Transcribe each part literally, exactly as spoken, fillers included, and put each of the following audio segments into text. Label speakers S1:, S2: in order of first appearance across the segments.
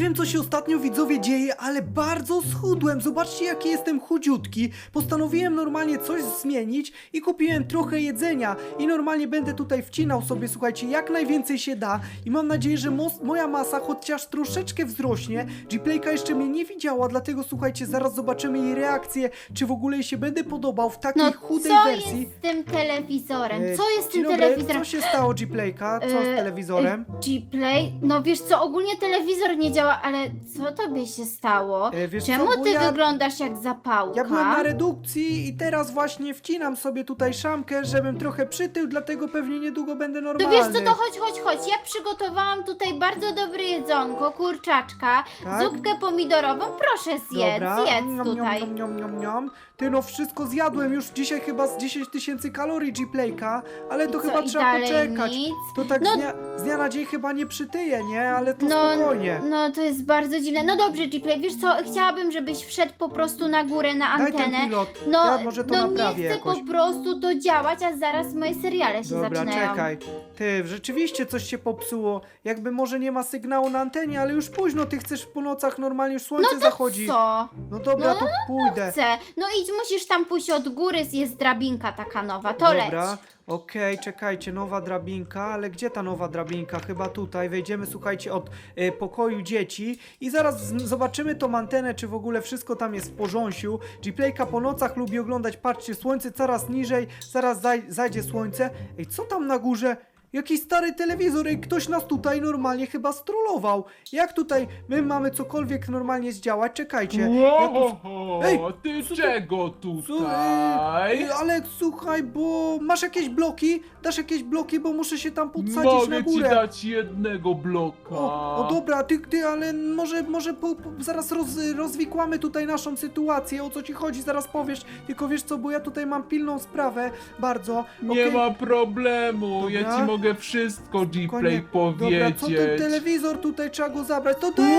S1: wiem, co się ostatnio, widzowie, dzieje, ale bardzo schudłem. Zobaczcie, jaki jestem chudziutki. Postanowiłem normalnie coś zmienić i kupiłem trochę jedzenia. I normalnie będę tutaj wcinał sobie, słuchajcie, jak najwięcej się da. I mam nadzieję, że mos- moja masa chociaż troszeczkę wzrośnie. Gplayka jeszcze mnie nie widziała, dlatego słuchajcie, zaraz zobaczymy jej reakcję, czy w ogóle jej się będę podobał w takiej
S2: No
S1: chudej
S2: co
S1: wersji.
S2: jest z tym telewizorem?
S1: E,
S2: Co jest z
S1: dzień
S2: tym
S1: dobry,
S2: telewizorem?
S1: co się stało, Gplayka? Co z
S2: E,
S1: telewizorem?
S2: e, Gplay? No wiesz co, ogólnie telewizor nie działa, ale co tobie się stało?
S1: E, wiesz
S2: Czemu
S1: co, bo
S2: ty
S1: ja-
S2: wyglądasz jak zapałka?
S1: Ja byłem na redukcji i teraz właśnie wcinam sobie tutaj szamkę, żebym trochę przytył, dlatego pewnie niedługo będę
S2: To
S1: normalny.
S2: wiesz co, to chodź, chodź, chodź. Ja przygotowałam tutaj bardzo dobre jedzonko, kurczaczka,
S1: Tak?
S2: zupkę pomidorową. Proszę zjedz,
S1: Dobra.
S2: zjedz
S1: Niam,
S2: tutaj.
S1: Niam, niam, niam, niam. Ty no, wszystko zjadłem już dzisiaj chyba z dziesięć tysięcy kalorii Gplayka, ale to
S2: I co,
S1: chyba
S2: i
S1: trzeba
S2: dalej
S1: poczekać.
S2: nic?
S1: To tak
S2: No-
S1: z, dnia, z dnia na dzień chyba nie przytyję, nie? Ale to
S2: No,
S1: spokojnie.
S2: no to jest bardzo dziwne. No dobrze, Gplay, wiesz co, chciałabym, żebyś wszedł po prostu na górę, na
S1: Daj ten
S2: antenę.
S1: pilot,
S2: No,
S1: ja może to
S2: no
S1: naprawię
S2: nie chcę
S1: jakoś.
S2: po prostu to działać, a zaraz moje seriale się
S1: Dobra,
S2: zaczynają.
S1: czekaj. Ty, rzeczywiście coś się popsuło. Jakby może nie ma sygnału na antenie, ale już późno, ty chcesz po nocach normalnie, już słońce
S2: No to
S1: zachodzi.
S2: co?
S1: No dobra,
S2: No,
S1: to pójdę.
S2: Chcę. No idź, musisz tam pójść od góry, jest drabinka taka nowa, to
S1: Dobra,
S2: leć.
S1: okej, czekajcie, nowa drabinka, ale gdzie ta nowa drabinka? Chyba tutaj, wejdziemy, słuchajcie, od e, pokoju dzieci i zaraz z- zobaczymy tą antenę, czy w ogóle wszystko tam jest w porządku. Gplayka po nocach lubi oglądać, patrzcie, słońce coraz niżej, zaraz zaj zajdzie słońce. Ej, co tam na górze? Jakiś stary telewizor, ej, ktoś nas tutaj normalnie chyba strollował. Jak tutaj my mamy cokolwiek normalnie zdziałać? Czekajcie. Ja tu...
S3: Ło,
S1: Ej,
S3: ty
S1: co ty-
S3: czego
S1: Co, ej,
S3: tutaj?
S1: ej, Aleks, słuchaj, bo masz jakieś bloki? Dasz jakieś bloki, bo muszę się tam podsadzić na
S3: Mogę ci
S1: górę.
S3: dać jednego bloka.
S1: O, o dobra, ty, ty, ale może, może po, po, zaraz roz, rozwikłamy tutaj naszą sytuację, o co ci chodzi, zaraz powiesz, tylko wiesz co, bo ja tutaj mam pilną sprawę, bardzo.
S3: Nie
S1: Okej?
S3: ma problemu, ja
S1: Dobra.
S3: ci mogę wszystko
S1: Spokojnie.
S3: Gplay
S1: Dobra, co ten
S3: powiedzieć.
S1: telewizor tutaj, trzeba go zabrać, to dej!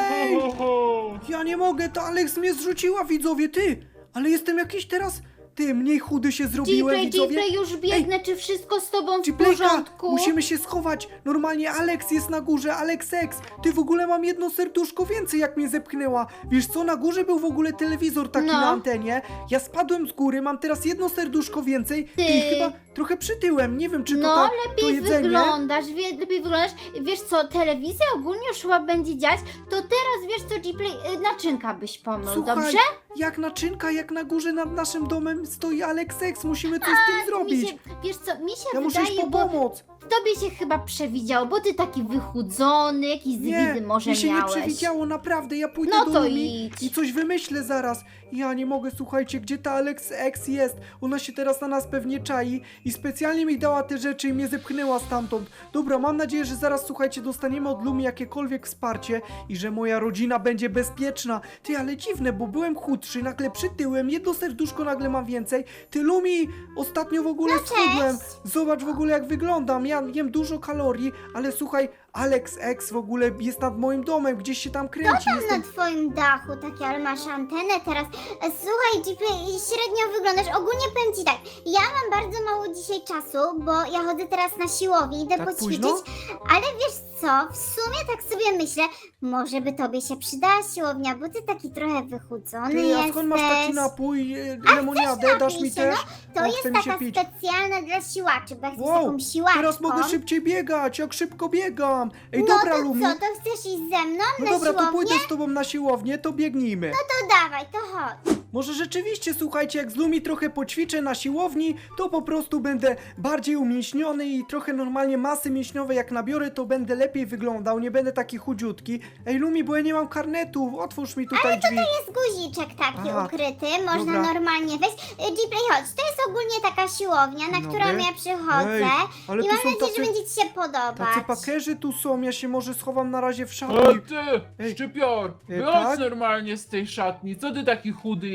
S3: Ło!
S1: Ja nie mogę, to Aleks mnie zrzuciła, widzowie, ty! Ale jestem jakiś teraz, ty, mniej chudy się zrobiłem,
S2: Gplay,
S1: widzowie.
S2: Gplay, już biegnę, czy wszystko z tobą w
S1: Gplayka,
S2: porządku?
S1: musimy się schować. Normalnie Alex jest na górze, Alex X. Ty, w ogóle mam jedno serduszko więcej, jak mnie zepchnęła. Wiesz co, na górze był w ogóle telewizor taki
S2: No.
S1: na antenie. Ja spadłem z góry, mam teraz jedno serduszko więcej.
S2: Ty.
S1: I chyba trochę przytyłem. Nie wiem, czy to
S2: No,
S1: tak, to
S2: lepiej
S1: jedzenie.
S2: wyglądasz, wie, lepiej wyglądasz. Wiesz co, telewizja ogólnie już chyba będzie dziać, to teraz wiesz co, Gplay, y, naczynka byś pomył,
S1: Słuchaj,
S2: dobrze?
S1: jak naczynka, jak na górze nad naszym domem stoi Alex X. Musimy coś z tym
S2: Mi
S1: zrobić.
S2: się, wiesz co, mi się
S1: Ja muszę iść
S2: wydaje,
S1: po
S2: bo
S1: pomoc.
S2: tobie się chyba przewidziało, bo ty taki wychudzony, jakiś
S1: Nie,
S2: zwidy może
S1: mi się
S2: miałeś.
S1: nie przewidziało, naprawdę. Ja pójdę
S2: No
S1: do
S2: to
S1: Lumi
S2: idź.
S1: i coś wymyślę zaraz. Ja nie mogę, słuchajcie, gdzie ta Alex X jest? Ona się teraz na nas pewnie czai i specjalnie mi dała te rzeczy i mnie zepchnęła stamtąd. Dobra, mam nadzieję, że zaraz, słuchajcie, dostaniemy od Lumi jakiekolwiek wsparcie i że moja rodzina będzie bezpieczna. Ty, ale dziwne, bo byłem chudszy, nagle przytyłem, jedno serduszko nagle mam więcej. Ty, Lumi, ostatnio w ogóle schudłem. Zobacz w ogóle, jak wyglądam. Ja jem dużo kalorii, ale słuchaj, Alex X w ogóle jest nad moim domem, gdzieś się tam kręci.
S4: Tam
S1: Jestem...
S4: na twoim dachu, takie, ale masz antenę teraz. E, Słuchaj, Gplay, średnio wyglądasz. Ogólnie powiem ci tak, ja mam bardzo mało dzisiaj czasu, bo ja chodzę teraz na siłownię, idę
S1: Tak
S4: poćwiczyć,
S1: późno?
S4: ale wiesz co, w sumie tak sobie myślę, może by tobie się przydała siłownia, bo ty taki trochę wychudzony
S1: Ty, a
S4: jesteś.
S1: skąd masz taki napój, e, lemoniadę, dasz mi
S4: napij się,
S1: też?
S4: To
S1: O,
S4: jest
S1: chce mi się
S4: taka
S1: pić.
S4: specjalna dla siłaczy, bo jak jesteś
S1: Wow,
S4: taką siłaczką.
S1: teraz mogę szybciej biegać, jak szybko biegam. Ej,
S4: no
S1: dobra,
S4: to
S1: Lumi.
S4: co, to chcesz iść ze mną
S1: No
S4: na
S1: dobra, to
S4: siłownię?
S1: pójdę z tobą na siłownię, to biegnijmy.
S4: To dawaj, to chodź.
S1: Może rzeczywiście, słuchajcie, jak z Lumi trochę poćwiczę na siłowni, to po prostu będę bardziej umięśniony i trochę normalnie masy mięśniowej jak nabiorę, to będę lepiej wyglądał, nie będę taki chudziutki. Ej, Lumi, bo ja nie mam karnetu, otwórz mi tutaj drzwi.
S4: Jest guziczek taki
S1: Aha,
S4: ukryty, można
S1: dobra.
S4: normalnie wejść. Y, Gplay, chodź, to jest ogólnie taka siłownia, na
S1: Dobry.
S4: którą ja przychodzę.
S1: Ej, ale
S4: I
S1: tu
S4: mam
S1: są
S4: nadzieję,
S1: tacy-
S4: że będzie ci się podobać.
S1: Tacy pakerzy tu są, ja się może schowam na razie w szatni.
S3: O ty,
S1: Ej.
S3: szczypior,
S1: Ej,
S3: wychodź
S1: tak?
S3: normalnie z tej szatni, co ty taki chudy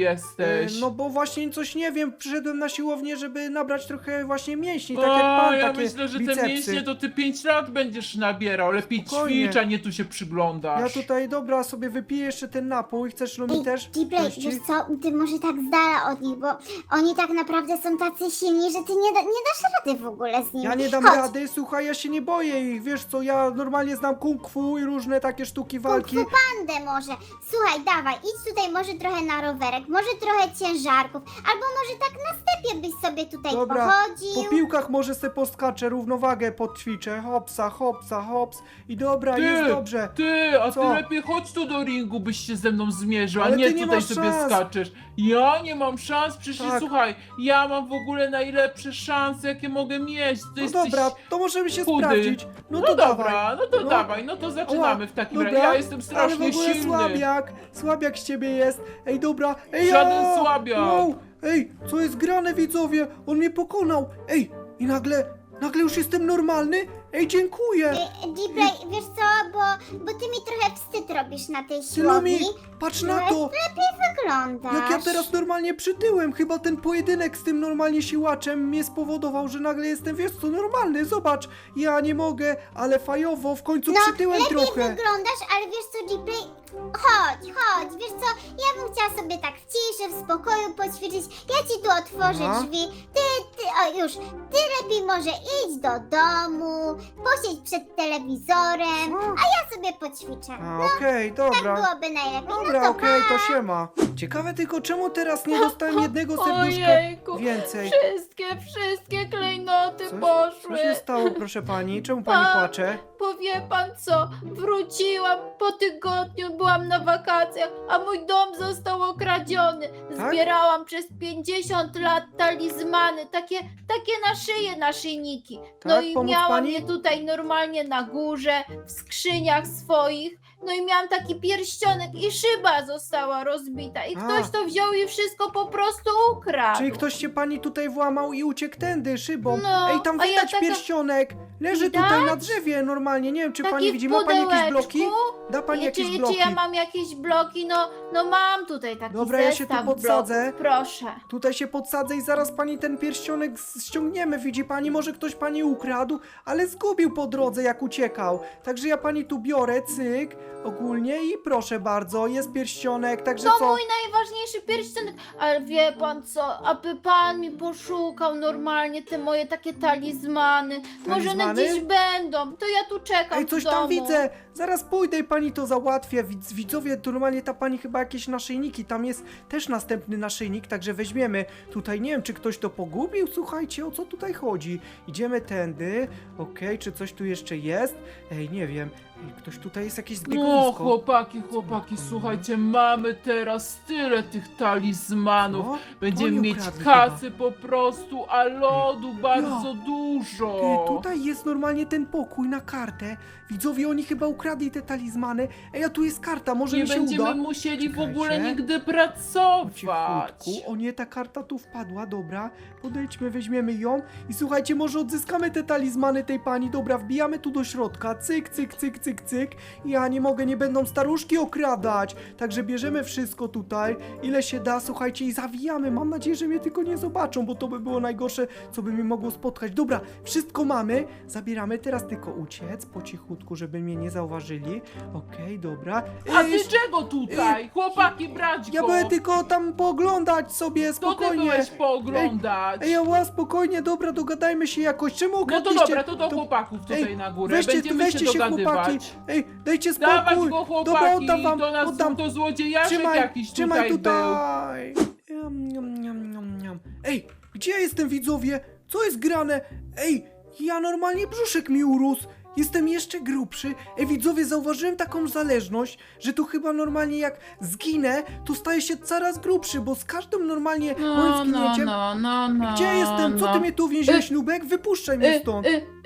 S3: jesteś?
S1: E, No bo właśnie coś nie wiem, przyszedłem na siłownię, żeby nabrać trochę właśnie mięśni, tak jak
S3: O,
S1: pan,
S3: ja
S1: takie
S3: myślę, że te
S1: bicepsy.
S3: mięśnie to ty pięć lat będziesz nabierał. Lepiej
S1: Spokojnie.
S3: ćwicz, a nie tu się przyglądasz.
S1: Ja tutaj, dobra, sobie wypiję jeszcze ten napój, chcesz Lumi
S4: Ej,
S1: też?
S4: Gplay,
S1: Gości?
S4: wiesz co, ty może tak z dala od nich, bo oni tak naprawdę są tacy silni, że ty nie, da, nie dasz rady w ogóle z nimi.
S1: Ja nie dam
S4: Chodź.
S1: rady, słuchaj, ja się nie boję ich, wiesz co, ja normalnie znam kung fu i różne takie sztuki walki.
S4: Kung fu pandę może. Słuchaj, dawaj, idź tutaj może trochę na rowerek, może trochę ciężarków, albo może tak na stepie byś sobie tutaj
S1: Dobra,
S4: pochodził.
S1: po piłkach może se poskaczę, równowagę podćwiczę, hopsa, hopsa, hops i dobra,
S3: Ty,
S1: jest dobrze.
S3: Ty, a
S1: Co?
S3: ty lepiej chodź tu do ringu, byś się ze mną zmierzył,
S1: Ale
S3: a nie
S1: ty nie
S3: tutaj
S1: masz
S3: sobie
S1: szans.
S3: skaczesz. Ja nie mam szans, przecież
S1: Tak.
S3: słuchaj, ja mam w ogóle najlepsze szanse, jakie mogę mieć. Ty
S1: No
S3: jesteś
S1: dobra, to możemy się
S3: chudy.
S1: sprawdzić. No,
S3: No,
S1: to
S3: dobra,
S1: dawaj.
S3: no to
S1: No.
S3: dawaj, no to zaczynamy w takim razie.
S1: Dobra,
S3: Ja jestem strasznie
S1: ale w ogóle
S3: silny.
S1: słabiak, słabiak z ciebie jest. Ej, dobra, ej,
S3: Żaden
S1: o!
S3: słabiak.
S1: Wow, ej, co jest grane, widzowie? On mnie pokonał. Ej, i nagle, nagle już jestem normalny? Ej, dziękuję.
S4: Gplay, wiesz co, bo, bo ty mi trochę wstyd robisz na tej
S1: Lumi,
S4: siłowni.
S1: patrz na to.
S4: Wyglądasz.
S1: Jak ja teraz normalnie przytyłem, chyba ten pojedynek z tym normalnie siłaczem mnie spowodował, że nagle jestem, wiesz co, normalny, zobacz, ja nie mogę, ale fajowo, w końcu
S4: No,
S1: przytyłem
S4: lepiej
S1: trochę.
S4: wyglądasz, ale wiesz co, Gplay, chodź, chodź, wiesz co, ja bym chciała sobie tak w ciszy, w spokoju poćwiczyć, ja ci tu otworzę
S1: Aha.
S4: drzwi, ty, ty, o już, ty lepiej może idź do domu, posiedź przed telewizorem,
S1: Co?
S4: a ja sobie poćwiczę.
S1: A, okej,
S4: Tak
S1: dobra.
S4: byłoby najlepiej,
S1: Dobra,
S4: no to
S1: okej,
S4: pa.
S1: to siema. Ciekawe tylko, czemu teraz nie dostałem jednego serduszka
S5: Ojejku,
S1: więcej?
S5: wszystkie, wszystkie klejnoty
S1: Coś,
S5: poszły.
S1: co się stało, proszę pani? Czemu pani
S5: A.
S1: płacze?
S5: Powie pan co, wróciłam po tygodniu, byłam na wakacjach, a mój dom został okradziony.
S1: Tak?
S5: Zbierałam przez pięćdziesiąt lat talizmany, takie, takie na szyję naszyjniki. No
S1: Tak?
S5: i
S1: Pomóc
S5: miałam
S1: pani?
S5: je tutaj normalnie na górze, w skrzyniach swoich. No i miałam taki pierścionek i szyba została rozbita. I
S1: A.
S5: ktoś to wziął i wszystko po prostu ukradł.
S1: Czyli ktoś się pani tutaj włamał i uciekł tędy szybą.
S5: No,
S1: Ej, tam
S5: a ja
S1: widać
S5: taka-
S1: pierścionek. Leży
S5: Widać?
S1: tutaj na drzewie normalnie. Nie wiem, czy
S5: Taki
S1: pani
S5: w
S1: widzi. Ma pani jakieś
S5: pudełeczku.
S1: bloki? Da pani
S5: I
S1: jakieś
S5: czy,
S1: bloki?
S5: czy ja mam jakieś bloki? No, no mam tutaj taki
S1: Dobra, ja się tu
S5: zestaw
S1: podsadzę.
S5: bloków, proszę.
S1: Tutaj się podsadzę i zaraz pani ten pierścionek z- ściągniemy. Widzi pani, może ktoś pani ukradł, ale zgubił po drodze, jak uciekał. Także ja pani tu biorę, cyk, ogólnie i proszę bardzo, jest pierścionek, także
S5: To
S1: co?
S5: mój najważniejszy pierścionek, ale wie pan co, aby pan mi poszukał normalnie te moje takie talizmany. Może one
S1: Talizmany?
S5: gdzieś będą, to ja tu czekam
S1: Ej, coś
S5: w domu.
S1: tam widzę! Zaraz pójdę i pani to załatwię. Widz, widzowie, to normalnie ta pani chyba jakieś naszyjniki. Tam jest też następny naszyjnik, także weźmiemy. Tutaj nie wiem, czy ktoś to pogubił. Słuchajcie, o co tutaj chodzi? Idziemy tędy. Okej, czy coś tu jeszcze jest? Ej, nie wiem. Ej, ktoś tutaj jest jakieś
S3: No
S1: zbiegowisko.
S3: chłopaki, chłopaki, słuchajcie, mamy teraz tyle tych talizmanów.
S1: Co?
S3: Będziemy
S1: Oni
S3: mieć
S1: ukradli
S3: kasy po prostu, a lodu bardzo
S1: Ja.
S3: dużo.
S1: Ej, tutaj jest normalnie ten pokój na kartę. Widzowie, oni chyba ukradli te talizmany. Ej, a tu jest karta, może
S3: Nie
S1: mi się
S3: będziemy
S1: uda.
S3: musieli w
S1: Czekajcie.
S3: ogóle nigdy
S1: Po
S3: pracować.
S1: cichutku. O nie, ta karta tu wpadła, dobra. Podejdźmy, weźmiemy ją i słuchajcie, może odzyskamy te talizmany tej pani. Dobra, wbijamy tu do środka. Cyk, cyk, cyk, cyk, cyk. Ja nie mogę, nie będą staruszki okradać. Także bierzemy wszystko tutaj, ile się da, słuchajcie, i zawijamy. Mam nadzieję, że mnie tylko nie zobaczą, bo to by było najgorsze, co by mi mogło spotkać. Dobra, wszystko mamy. Zabieramy, teraz tylko uciec po cichutku, żeby mnie nie zauważyli. Okej, dobra.
S3: A
S1: Ej,
S3: ty czego tutaj? Chłopaki, brać go!
S1: ja byłem tylko tam pooglądać sobie,
S3: To ty
S1: spokojnie.
S3: byłeś pooglądać.
S1: Ej, ała, spokojnie, dobra, dogadajmy się jakoś. Czemu
S3: No to
S1: okradliście?
S3: dobra, to do chłopaków tutaj
S1: Ej,
S3: na górę.
S1: Weźcie,
S3: Będziemy
S1: weźcie
S3: się
S1: się chłopaki.
S3: dogadywać.
S1: Ej, dajcie spokój.
S3: Dawać go chłopaki,
S1: Dobra, oddam wam,
S3: to nas
S1: oddam.
S3: to złodziejaszek
S1: Trzymaj,
S3: jakiś
S1: trzymaj
S3: tutaj, był.
S1: tutaj. Jam, jam, jam, jam, jam. Ej, gdzie ja jestem, widzowie? Co jest grane? Ej, ja normalnie brzuszek mi urósł. Jestem jeszcze grubszy. Ej, widzowie, zauważyłem taką zależność, że tu chyba normalnie jak zginę, to staję się coraz grubszy, bo z każdym normalnie moim
S5: No, no,
S1: zginięciem...
S5: no, no, no.
S1: Gdzie jestem? Co
S5: no.
S1: ty mnie tu więziłeś,
S5: Y,
S1: Nubek? Wypuszczaj mnie
S5: Y,
S1: stąd.
S5: y, y,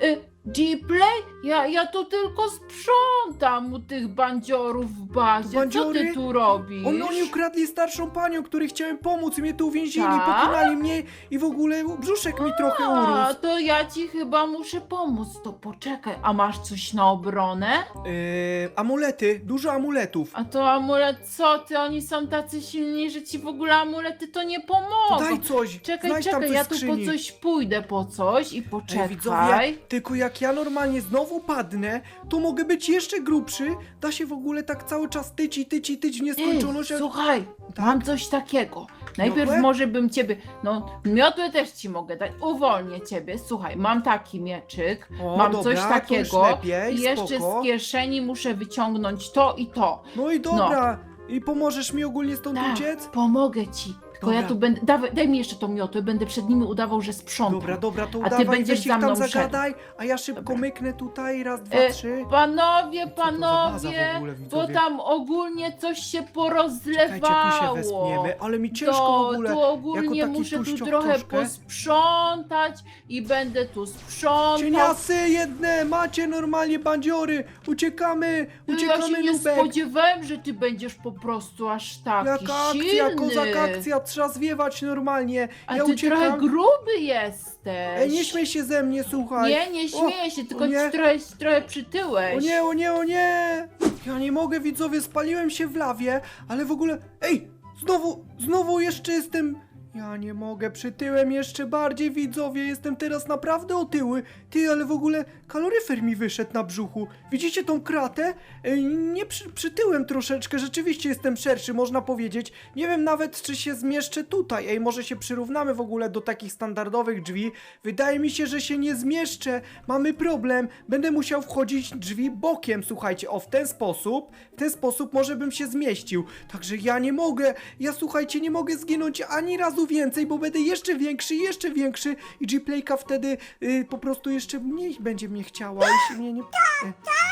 S3: Gplay? Ja, ja tu tylko sprzątam u tych bandziorów w bazie. Co
S1: Bandziory?
S3: ty tu robisz?
S1: On, oni ukradli starszą panią, której chciałem pomóc i mnie tu uwięzili,
S3: Tak?
S1: pokonali mnie i w ogóle brzuszek mi trochę
S3: A,
S1: urósł.
S3: to ja ci chyba muszę pomóc. To poczekaj, a masz coś na obronę?
S1: Yy, amulety, dużo amuletów.
S3: A to amulet, co ty? Oni są tacy silni, że ci w ogóle amulety to nie
S1: To
S3: pomogą.
S1: daj coś,
S3: Czekaj,
S1: znajdź tam
S3: czekaj,
S1: coś
S3: ja
S1: w
S3: tu po
S1: skrzyni.
S3: coś pójdę po coś i
S1: Ej,
S3: poczekaj.
S1: widzowie, tylko jak ja normalnie znowu padnę, to mogę być jeszcze grubszy. Da się w ogóle tak cały czas tyć i tyć i tyć w nieskończoność.
S3: Ej,
S1: a-
S3: słuchaj,
S1: Tak?
S3: mam coś takiego. Najpierw
S1: Miotłę?
S3: może bym ciebie, no miotłę też ci mogę dać, uwolnię ciebie. Słuchaj, mam taki mieczyk,
S1: O,
S3: mam
S1: dobra,
S3: coś
S1: to już
S3: takiego
S1: lepiej,
S3: i jeszcze
S1: spoko.
S3: z kieszeni muszę wyciągnąć to i to.
S1: No i dobra. I pomożesz mi ogólnie stąd
S3: Tak,
S1: uciec?
S3: pomogę ci. Tylko ja
S1: Dobra.
S3: tu będę, dawaj, daj mi jeszcze tą miotłę, będę przed nimi udawał, że sprzątam.
S1: Dobra, dobra, to
S3: A ty
S1: udawaj,
S3: będziesz
S1: weź ich
S3: za mną
S1: tam
S3: szedł.
S1: zagadaj, a ja szybko
S3: Dobra.
S1: myknę tutaj, raz, dwa,
S3: E,
S1: trzy.
S3: Panowie,
S1: Co to za baza w
S3: panowie,
S1: ogóle,
S3: bo
S1: widzowie?
S3: tam ogólnie coś się
S1: Czekajcie, tu się
S3: porozlewało.
S1: wespniemy, ale mi ciężko
S3: To,
S1: w ogóle.
S3: tu ogólnie
S1: taki
S3: muszę tu
S1: tuścioch
S3: trochę
S1: troszkę.
S3: posprzątać i będę tu sprzątał.
S1: Cieniasy jedne, macie normalnie bandziory, uciekamy,
S3: No ja
S1: uciekamy
S3: się nie
S1: Nubek.
S3: spodziewałem, że ty będziesz po prostu aż taki
S1: Jaka akcja,
S3: silny.
S1: kozak akcja, trzeba zwiewać normalnie.
S3: A
S1: ja
S3: ty
S1: uciekam.
S3: trochę gruby jesteś.
S1: Ej, nie śmiej się ze mnie, słuchaj.
S3: Nie, nie śmieję się, tylko
S1: o nie.
S3: ci trochę, trochę przytyłeś.
S1: O nie, o nie, o nie! Ja nie mogę, widzowie, spaliłem się w lawie, ale w ogóle... Ej, znowu, znowu jeszcze jestem... Ja nie mogę, przytyłem jeszcze bardziej, widzowie, jestem teraz naprawdę otyły. Ty, ale w ogóle kaloryfer mi wyszedł na brzuchu. Widzicie tą kratę? Ej, nie przy, przytyłem troszeczkę, rzeczywiście jestem szerszy, można powiedzieć. Nie wiem nawet, czy się zmieszczę tutaj. Ej, może się przyrównamy w ogóle do takich standardowych drzwi. Wydaje mi się, że się nie zmieszczę. Mamy problem. Będę musiał wchodzić drzwi bokiem, słuchajcie. O, w ten sposób, w ten sposób może bym się zmieścił. Także ja nie mogę, ja słuchajcie, nie mogę zginąć ani razu więcej, bo będę jeszcze większy, jeszcze większy i G-Playka wtedy y, po prostu jeszcze mniej będzie mnie chciała, jeśli mnie nie... E,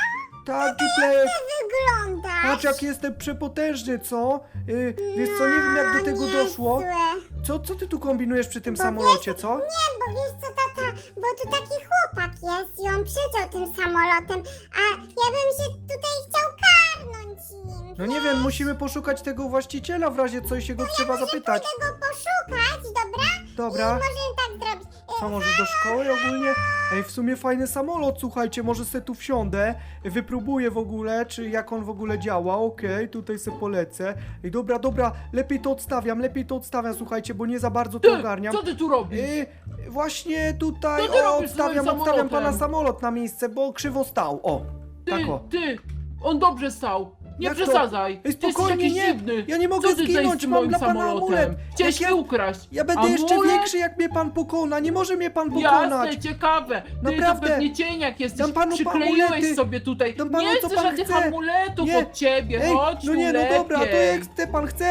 S1: tak, G-Playek,
S4: Wygląda.
S1: patrz jak jestem przepotężny, co? Y, wiesz co, nie wiem jak do tego doszło. Co, co ty tu kombinujesz przy tym samolocie, co?
S4: Nie, bo wiesz co, tata, bo tu taki chłopak jest i on przyleciał tym samolotem, a ja bym się tutaj chciał karnąć nim.
S1: No nie wiem, musimy poszukać tego właściciela w razie co i się go trzeba zapytać.
S4: Chcę go poszukać, dobra?
S1: Dobra.
S4: Możemy tak zrobić. E,
S1: Co, może do szkoły ogólnie? Ej, w sumie fajny samolot, słuchajcie, może se tu wsiądę, wypróbuję w ogóle, czy jak on w ogóle działa, okej, tutaj se polecę. Ej, dobra, dobra, lepiej to odstawiam, lepiej to odstawiam, słuchajcie, bo nie za bardzo to
S3: Ty,
S1: ogarniam.
S3: co ty tu robisz?
S1: Ej, właśnie tutaj,
S3: Co ty
S1: o,
S3: robisz z
S1: odstawiam,
S3: moim
S1: odstawiam pana
S3: samolotem?
S1: samolot na miejsce, bo krzywo stał, o,
S3: Ty,
S1: tak o.
S3: ty, on dobrze stał. Nie
S1: Jak to?
S3: przesadzaj.
S1: Ej,
S3: Ty jesteś
S1: spokojnie,
S3: jakiś
S1: nie,
S3: dziwny.
S1: ja nie mogę
S3: Co ty tutaj
S1: zginąć,
S3: z tym
S1: mam
S3: moim
S1: dla pana
S3: samolotem?
S1: amulet.
S3: Chciałeś
S1: Jak
S3: mi
S1: ja-
S3: ukraść.
S1: Ja będę jeszcze
S3: Amulet?
S1: większy, jak mnie pan pokona, nie może mnie pan pokonać.
S3: Jasne, ciekawe. Ty
S1: Naprawdę.
S3: to pewnie cieniak jesteś.
S1: Dam panu
S3: Przykleiłeś
S1: amulety.
S3: sobie tutaj.
S1: Dam panu,
S3: nie
S1: co
S3: chcę
S1: pan
S3: żadnych
S1: chce.
S3: amuletów
S1: Nie.
S3: od ciebie.
S1: Ej,
S3: Chodź
S1: no
S3: tu
S1: nie, no
S3: lepiej.
S1: dobra, to jak chce pan chce,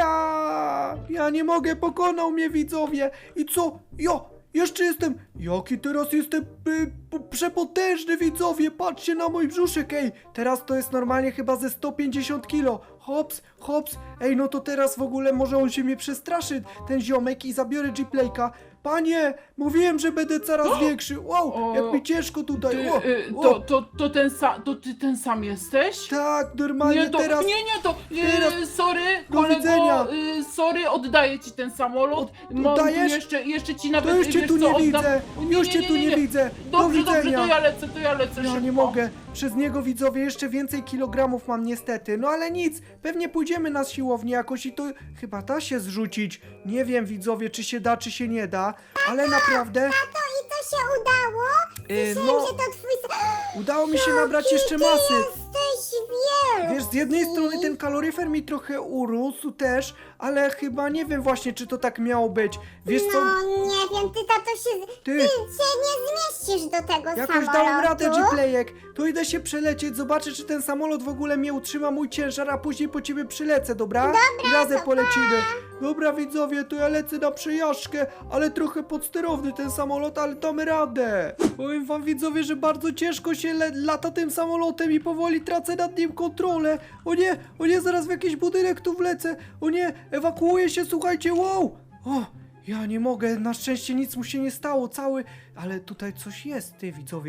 S1: a ja nie mogę, pokonał mnie widzowie. I co? Jo, jeszcze jestem, jaki teraz jestem y, p- przepotężny widzowie, patrzcie na mój brzuszek, ej, teraz to jest normalnie chyba ze sto pięćdziesiąt kilo. Hops, hops, ej, no to teraz w ogóle może on się mnie przestraszy, ten ziomek i zabiorę G-Playka. Panie, mówiłem, że będę coraz większy. Wow,
S3: O,
S1: jak mi ciężko tutaj.
S3: Ty,
S1: O,
S3: y,
S1: o.
S3: to, to, to, ten sa, to ty ten sam jesteś?
S1: Tak, normalnie
S3: Nie, to,
S1: teraz.
S3: nie, nie, to
S1: teraz-
S3: y, sorry,
S1: Do
S3: kolego,
S1: widzenia.
S3: y, sorry, oddaję ci ten samolot.
S1: Od-
S3: Mam tu
S1: oddajesz?
S3: jeszcze, jeszcze ci nawet,
S1: To już cię
S3: wiesz
S1: tu
S3: co,
S1: nie
S3: oddam.
S1: widzę, już cię tu nie widzę. Do
S3: Dobrze, dobrze,
S1: widzenia.
S3: to ja lecę, to ja lecę
S1: Ja
S3: szybko.
S1: nie mogę. Przez niego widzowie jeszcze więcej kilogramów mam niestety. No ale nic, pewnie pójdziemy na siłownię jakoś i to chyba da się zrzucić. Nie wiem widzowie, czy się da, czy się nie da, ale naprawdę
S4: To i to się udało?
S1: yy,
S4: Myślałem,
S1: no
S4: że to twój... s-
S1: udało mi się nabrać jeszcze
S4: Ty
S1: masy.
S4: jesteś wielki.
S1: Wiesz, z jednej strony ten kaloryfer mi trochę urósł też, ale chyba nie wiem właśnie, czy to tak miało być. Wiesz co,
S4: No nie wiem, ty tato się...
S1: Ty.
S4: Ty się nie zmieścisz do tego
S1: jakoś
S4: samolotu.
S1: dałem radę, G-Playek. To idę się przelecieć, zobaczę, czy ten samolot w ogóle mnie utrzyma mój ciężar, a później po ciebie przylecę, dobra? I razem polecimy. Dobra widzowie, to ja lecę na przejażdżkę, ale trochę podsterowny ten samolot, ale damy radę. Powiem wam widzowie, że bardzo ciężko się le- lata tym samolotem i powoli tracę nad nim kontrolę. O nie, o nie, zaraz w jakiś budynek tu wlecę. O nie, ewakuuję się, słuchajcie, wow. O, ja nie mogę, na szczęście nic mu się nie stało, cały... Ale tutaj coś jest, ty widzowie.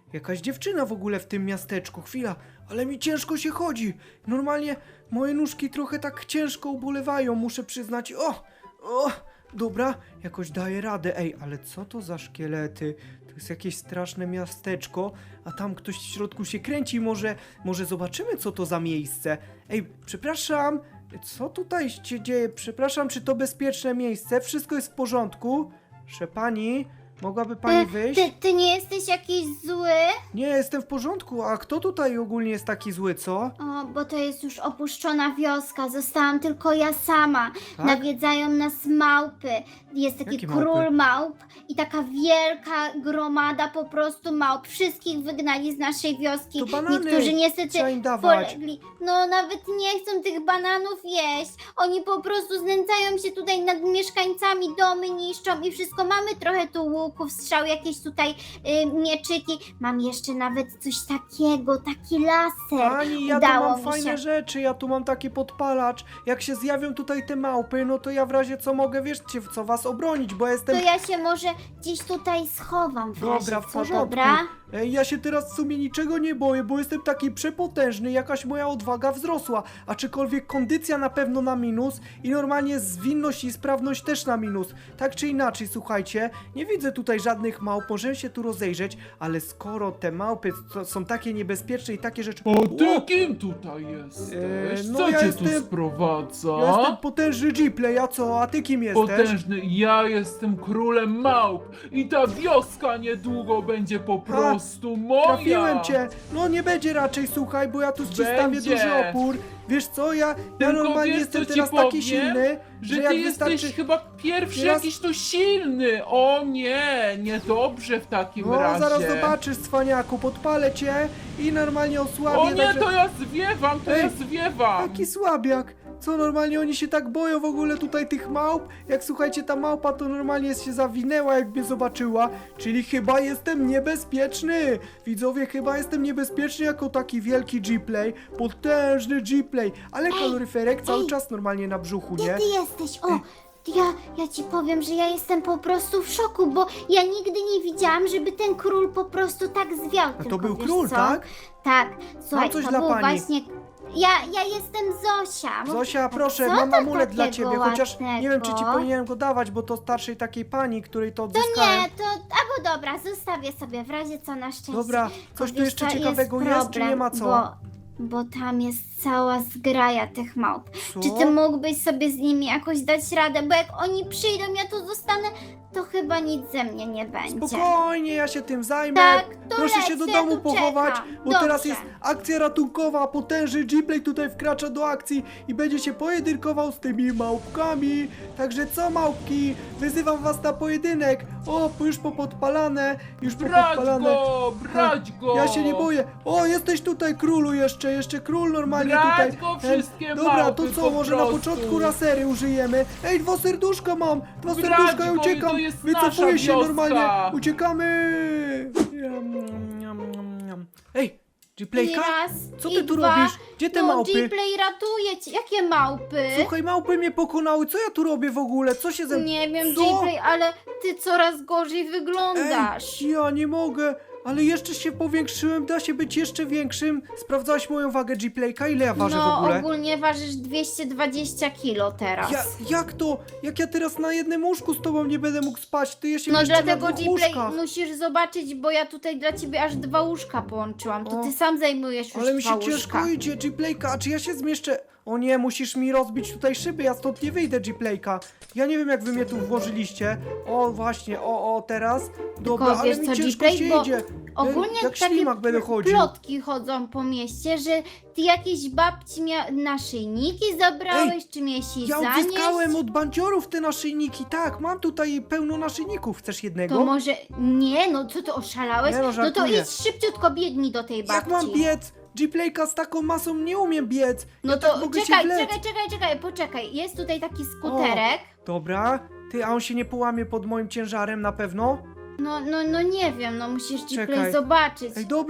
S1: jakaś dziewczyna w ogóle w tym miasteczku. Chwila, ale mi ciężko się chodzi. Normalnie moje nóżki trochę tak ciężko ubolewają, muszę przyznać. O, o, dobra, jakoś daję radę. Ej, ale co to za szkielety? To jest jakieś straszne miasteczko, a tam ktoś w środku się kręci. Może, może zobaczymy, co to za miejsce. Ej, przepraszam, co tutaj się dzieje? Przepraszam, czy to bezpieczne miejsce? Wszystko jest w porządku? Proszę pani, mogłaby pani wyjść?
S2: Ty, ty nie jesteś jakiś zły?
S1: Nie, jestem w porządku, a kto tutaj ogólnie jest taki zły, co?
S2: O, bo to jest już opuszczona wioska, zostałam tylko ja sama.
S1: Tak?
S2: Nawiedzają nas małpy. Jest taki
S1: Jakie
S2: król
S1: małpy?
S2: małp i taka wielka gromada po prostu małp. Wszystkich wygnali z naszej wioski.
S1: To banany
S2: Niektórzy niestety
S1: trzeba im dawać.
S2: polegli. No nawet nie chcą tych bananów jeść. Oni po prostu znęcają się tutaj nad mieszkańcami, domy niszczą i wszystko. Mamy trochę tu łuków, strzał, jakieś tutaj y, mieczyki. Mam jeszcze nawet coś takiego, taki laser.
S1: Pani, ja tu
S2: Udało
S1: mam
S2: mi
S1: fajne
S2: się.
S1: rzeczy, ja tu mam taki podpalacz. Jak się zjawią tutaj te małpy, no to ja w razie co mogę, wiecie, w co was obronić, bo ja
S2: To
S1: jestem...
S2: ja się może gdzieś tutaj schowam w razie,
S1: Dobra, w
S2: co,
S1: porządku.
S2: dobra?
S1: Ej, ja się teraz w sumie niczego nie boję, bo jestem taki przepotężny, jakaś moja odwaga wzrosła, aczkolwiek kondycja na pewno na minus i normalnie zwinność i sprawność też na minus. Tak czy inaczej, słuchajcie, nie widzę tutaj żadnych małp, możemy się tu rozejrzeć, ale skoro te małpy to są takie niebezpieczne i takie rzeczy...
S6: O, ty
S1: O!
S6: kim tutaj jesteś?
S1: Eee, no
S6: Co
S1: ja
S6: cię
S1: jestem-
S6: tu sprowadza?
S1: Ja jestem potężny Gplay, a co? A ty kim jesteś?
S6: Potężny, ja jestem królem małp i ta wioska niedługo będzie po prostu moja!
S1: Trafiłem cię! No nie będzie raczej, słuchaj, bo ja tu ci stawię
S6: Będzie.
S1: duży opór. Wiesz co, ja, ja
S6: Tylko
S1: normalnie
S6: wiesz,
S1: jestem
S6: co ci
S1: teraz taki
S6: powiem?
S1: silny,
S6: Że
S1: że
S6: ty
S1: jak
S6: jesteś
S1: wystarczy...
S6: chyba pierwszy
S1: Teraz-
S6: jakiś tu silny! O nie, niedobrze w takim
S1: No
S6: razie.
S1: zaraz zobaczysz, cwaniaku, podpalę cię i normalnie osłabię.
S6: O nie,
S1: także...
S6: to ja zwiewam, to
S1: Ej,
S6: ja zwiewam!
S1: Taki słabiak. Co, normalnie oni się tak boją w ogóle tutaj tych małp? Jak słuchajcie, ta małpa to normalnie się zawinęła, jak mnie zobaczyła. Czyli chyba jestem niebezpieczny. Widzowie, chyba jestem niebezpieczny jako taki wielki Gplay. Potężny Gplay. Ale kaloryferek cały
S2: ej.
S1: czas normalnie na brzuchu,
S2: Gdzie
S1: nie?
S2: ty jesteś? O, ja, ja ci powiem, że ja jestem po prostu w szoku, bo ja nigdy nie widziałam, żeby ten król po prostu tak zwiał.
S1: A to
S2: Tylko
S1: był
S2: wiesz
S1: król,
S2: co?
S1: tak?
S2: Tak, słuchaj,
S1: coś
S2: to
S1: dla
S2: był
S1: pani.
S2: właśnie... Ja, ja jestem Zosia. Mów-
S1: Zosia, proszę,
S2: co
S1: mam
S2: to
S1: amulet dla
S2: takiego
S1: ciebie, chociaż nie wiem, czy ci
S2: ładnego?
S1: powinienem go dawać, bo to starszej takiej pani, której to
S2: To
S1: odzyskałem.
S2: nie, to... Albo dobra, zostawię sobie, w razie co na szczęście.
S1: Dobra,
S2: Tylko
S1: coś tu
S2: wiesz
S1: jeszcze
S2: co,
S1: ciekawego jest, czy nie ma co?
S2: Bo, bo tam jest cała zgraja tych małp.
S1: Co?
S2: Czy ty mógłbyś sobie z nimi jakoś dać radę? Bo jak oni przyjdą, ja tu zostanę, to chyba nic ze mnie nie będzie.
S1: Spokojnie, ja się tym zajmę.
S2: Tak, to
S1: Proszę
S2: leć,
S1: się do
S2: ja
S1: domu
S2: tu
S1: pochować,
S2: czekam.
S1: bo
S2: Dobrze.
S1: teraz jest akcja ratunkowa. Potężny Gplay tutaj wkracza do akcji i będzie się pojedynkował z tymi małpkami. Także co, małpki? Wyzywam was na pojedynek. O, już popodpalane, już
S6: Brać
S1: popodpalane.
S6: go, brać go!
S1: Ja się nie boję. O, jesteś tutaj, królu, jeszcze, jeszcze król normalnie
S6: Brać
S1: tutaj.
S6: go
S1: E,
S6: wszystkie
S1: Dobra, to
S6: małpy
S1: co,
S6: po
S1: może na
S6: prostu.
S1: początku lasery użyjemy? Ej, dwa serduszka mam! Dwa
S6: Brać
S1: serduszka, ja
S6: go,
S1: uciekam!
S6: to jest
S1: Wycofuję
S6: nasza
S1: się
S6: wioska.
S1: normalnie! Uciekamy! Jam, jam, jam, jam. Ej,
S2: I
S1: Gplayka?
S2: raz,
S1: Co
S2: i
S1: ty tu
S2: dwa.
S1: robisz? Gdzie te
S2: no,
S1: małpy?
S2: Gplay ratuje cię. Jakie małpy?
S1: Słuchaj, małpy mnie pokonały, co ja tu robię w ogóle? Co się ze...
S2: Nie wiem,
S1: Co?
S2: Gplay, ale ty coraz gorzej wyglądasz.
S1: Ej, ja nie mogę, ale jeszcze się powiększyłem, da się być jeszcze większym. Sprawdzałaś moją wagę Gplayka? Ile ja ważę w
S2: no,
S1: ogóle?
S2: ogólnie ważysz dwieście dwadzieścia kilo teraz.
S1: Ja, jak to? Jak ja teraz na jednym łóżku z tobą nie będę mógł spać? Ty jeszcze
S2: No
S1: jeszcze
S2: dlatego
S1: na dwóch
S2: Gplay
S1: łóżkach.
S2: musisz zobaczyć, bo ja tutaj dla ciebie aż dwa łóżka połączyłam. To
S1: O,
S2: ty sam zajmujesz już
S1: Ale mi
S2: dwa
S1: się
S2: łóżka.
S1: ciężko idzie, Gplayka, a czy ja się zmieszczę? O nie, musisz mi rozbić tutaj szyby, ja stąd nie wyjdę, Gplayka. Ja nie wiem, jak wy mnie tu włożyliście. O, właśnie, o, o, teraz. Dobra,
S2: Tylko
S1: ale
S2: wiesz
S1: mi
S2: co,
S1: ciężko
S2: Gplay,
S1: się
S2: bo
S1: idzie.
S2: Ogólnie
S1: jak
S2: takie
S1: ślimak będę chodził.
S2: plotki chodzą po mieście, że ty jakieś babci mia- naszyjniki zabrałeś, czy miałeś jej
S1: Ja
S2: zanieść.
S1: odzyskałem od bandziorów te naszyjniki, tak, mam tutaj pełno naszyjników. Chcesz jednego?
S2: To może... Nie, no co ty oszalałeś?
S1: Nie, no,
S2: no to
S1: żartuję.
S2: idź szybciutko, biegnij do tej babci.
S1: Jak mam biec? Gplayka z taką masą nie umiem biec.
S2: No
S1: ja
S2: to
S1: tak mogę się
S2: czekaj,
S1: wlec.
S2: czekaj, czekaj, czekaj, poczekaj. Jest tutaj taki skuterek.
S1: Dobra, ty, a on się nie połamie pod moim ciężarem na pewno?
S2: No, no, no nie wiem, no musisz
S1: Czekaj.
S2: Gplay zobaczyć.
S1: Ej, dobra,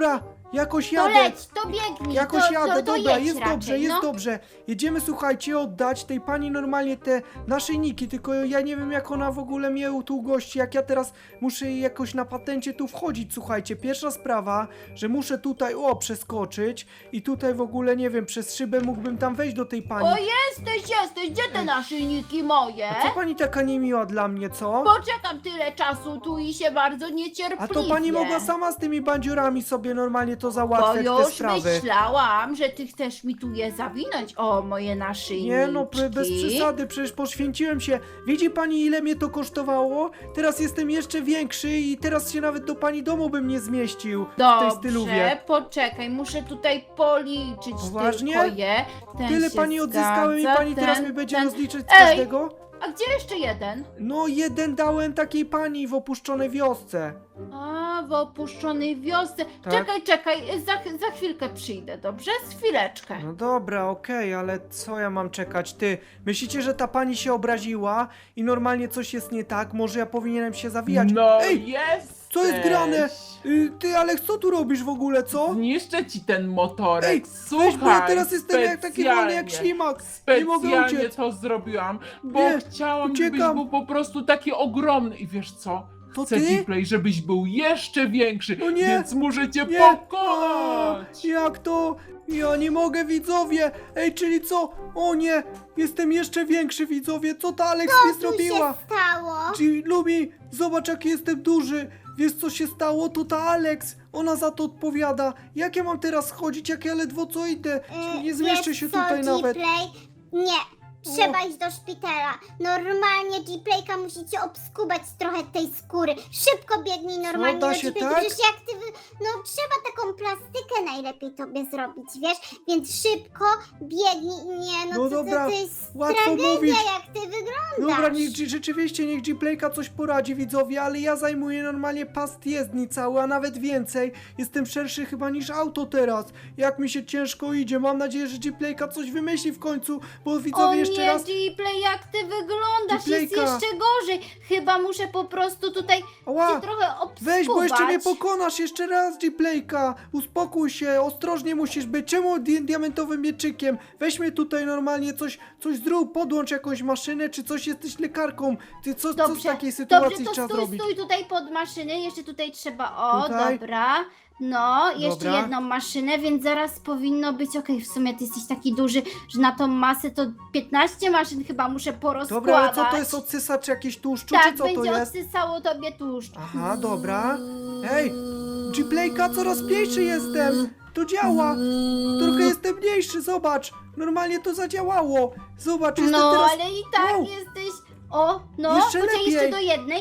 S1: Jakoś
S5: To
S1: jadę.
S5: leć, to biegnij,
S1: Jakoś
S5: to,
S1: jadę,
S5: to, to
S1: dobra,
S5: jedź
S1: jest
S5: raczej,
S1: dobrze, jest
S5: no.
S1: dobrze. Jedziemy, słuchajcie, oddać tej pani normalnie te naszyjniki, tylko ja nie wiem, jak ona w ogóle mnie tu gości, jak ja teraz muszę jej jakoś na patencie tu wchodzić, słuchajcie. Pierwsza sprawa, że muszę tutaj, o, przeskoczyć i tutaj w ogóle, nie wiem, przez szybę mógłbym tam wejść do tej pani.
S5: O, jesteś, jesteś, gdzie te naszyjniki moje?
S1: A co pani taka niemiła dla mnie, co?
S5: Poczekam tyle czasu tu i się bardzo niecierpliwie.
S1: A to pani mogła sama z tymi bandziurami sobie normalnie to
S5: Bo
S1: załatwiać, te
S5: już
S1: sprawy.
S5: myślałam, że ty chcesz mi tu je zawinąć. O, moje naszyjniki.
S1: Nie no, p- bez przesady, przecież poświęciłem się. Widzi pani, ile mnie to kosztowało? Teraz jestem jeszcze większy i teraz się nawet do pani domu bym nie zmieścił w tej
S5: Dobrze,
S1: styluwie.
S5: poczekaj, muszę tutaj policzyć
S1: Poważnie?
S5: tylko je. Ten
S1: Tyle
S5: się
S1: pani odzyskałem i
S5: zgadza,
S1: pani teraz
S5: ten,
S1: mnie będzie
S5: ten.
S1: rozliczyć z
S5: Ej!
S1: każdego?
S5: A gdzie jeszcze jeden?
S1: No, jeden dałem takiej pani w opuszczonej wiosce.
S5: A, w opuszczonej wiosce.
S1: Tak.
S5: Czekaj, czekaj, za, za chwilkę przyjdę, dobrze? Z chwileczkę.
S1: No dobra, okej, ale co ja mam czekać? Ty, myślicie, że ta pani się obraziła i normalnie coś jest nie tak? Może ja powinienem się zawijać?
S6: No
S1: Ej,
S6: jest!
S1: co jest grane? Y, ty, Aleks, co tu robisz w ogóle, co?
S6: Zniszczę ci ten motorek.
S1: Ej,
S6: Słuchaj,
S1: weź, bo ja teraz jestem jak taki wolny jak
S6: specjalnie-
S1: ślimak. Nie mogę
S6: Specjalnie
S1: uciec.
S6: to zrobiłam, bo
S1: Nie,
S6: chciałam, żebyś
S1: uciekam.
S6: był po prostu taki ogromny. I wiesz co?
S1: To
S6: Chcę
S1: ty?
S6: Gplay, żebyś był jeszcze większy,
S1: No nie,
S6: więc muszę cię
S1: Nie!
S6: pokonać!
S1: A, jak to? Ja nie mogę, widzowie! Ej, czyli co? O nie! Jestem jeszcze większy, widzowie! Co ta Alex mi
S4: Co tu
S1: zrobiła?
S4: się stało?
S1: Ci, Lumi, zobacz, jaki jestem duży! Wiesz, co się stało? To ta Alex! Ona za to odpowiada! Jak ja mam teraz chodzić, jak ja ledwo co idę?
S4: Y,
S1: Nie zmieszczę
S4: wiesz
S1: się
S4: co,
S1: tutaj nawet!
S4: Gplay? Nie, trzeba iść do szpitala. Normalnie Gplayka musicie obskubać trochę tej skóry. Szybko biegnij normalnie
S1: da
S4: do
S1: się
S4: Gplay.
S1: tak?
S4: Przecież jak ty, wy- no trzeba taką plastykę najlepiej tobie zrobić, wiesz? Więc szybko biegnij. Nie, no,
S1: No
S4: to,
S1: dobra,
S4: to, to jest
S1: łatwo
S4: tragedia,
S1: mówić.
S4: jak ty wyglądasz.
S1: Dobra, niech, G- rzeczywiście niech Gplayka coś poradzi, widzowie, ale ja zajmuję normalnie pas jezdni cały, a nawet więcej. Jestem szerszy chyba niż auto teraz. Jak mi się ciężko idzie, mam nadzieję, że Gplayka coś wymyśli w końcu, bo
S5: O
S1: widzowie jeszcze
S5: nie,
S1: raz...
S5: Gplay, jak ty wyglądasz, jest
S1: Gplayka.
S5: jeszcze gorzej. Chyba muszę po prostu tutaj
S1: Ała,
S5: cię trochę obskubać.
S1: weź, bo jeszcze mnie pokonasz, jeszcze raz Gplayka. Uspokój się, ostrożnie musisz być. Czemu di diamentowym mieczykiem? Weź mnie tutaj normalnie, coś, coś zrób, podłącz jakąś maszynę, czy coś, jesteś lekarką. Ty co, co w takiej sytuacji
S5: dobrze, to
S1: trzeba
S5: stój,
S1: zrobić?
S5: stój tutaj pod maszyny, jeszcze tutaj trzeba, o,
S1: Tutaj?
S5: dobra. No, jeszcze
S1: Dobra.
S5: jedną maszynę, więc zaraz powinno być, okej, w sumie ty jesteś taki duży, że na tą masę to piętnaście maszyn chyba muszę porozkładać.
S1: Dobra, ale co to jest odsysacz jakiś tłuszczu,
S5: Tak,
S1: czy co to
S5: będzie
S1: jest?
S5: odsysało tobie tłuszcz.
S1: Aha, dobra. Ej, Gplayka, coraz mniejszy jestem. To działa. Trochę jestem mniejszy, zobacz. Normalnie to zadziałało. Zobacz, jestem
S5: No,
S1: teraz...
S5: ale i tak
S1: Wow.
S5: jesteś, o, no,
S1: Jeszcze
S5: poczekaj
S1: lepiej.
S5: jeszcze do jednej.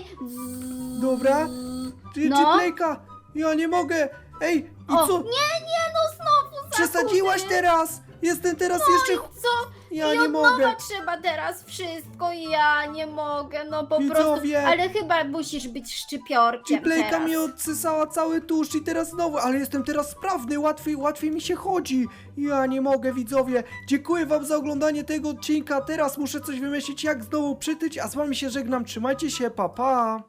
S1: Dobra. G-
S5: No.
S1: Gplayka, ja nie mogę. Ej, i
S5: O,
S1: co?
S5: nie, nie, no znowu
S1: Przesadziłaś
S5: zakuty.
S1: teraz. Jestem teraz jeszcze...
S5: Co?
S1: Ja
S5: I
S1: nie
S5: od nowa
S1: mogę.
S5: trzeba teraz wszystko i ja nie mogę, no po
S1: Widzowie.
S5: prostu. Ale chyba musisz być szczypiorkiem
S1: Gplayka
S5: teraz.
S1: mi odsysała cały tłuszcz i teraz znowu, ale jestem teraz sprawny, łatwiej, łatwiej mi się chodzi. Ja nie mogę, widzowie. Dziękuję wam za oglądanie tego odcinka. Teraz muszę coś wymyślić, jak znowu przytyć, a z wami się żegnam. Trzymajcie się, pa pa.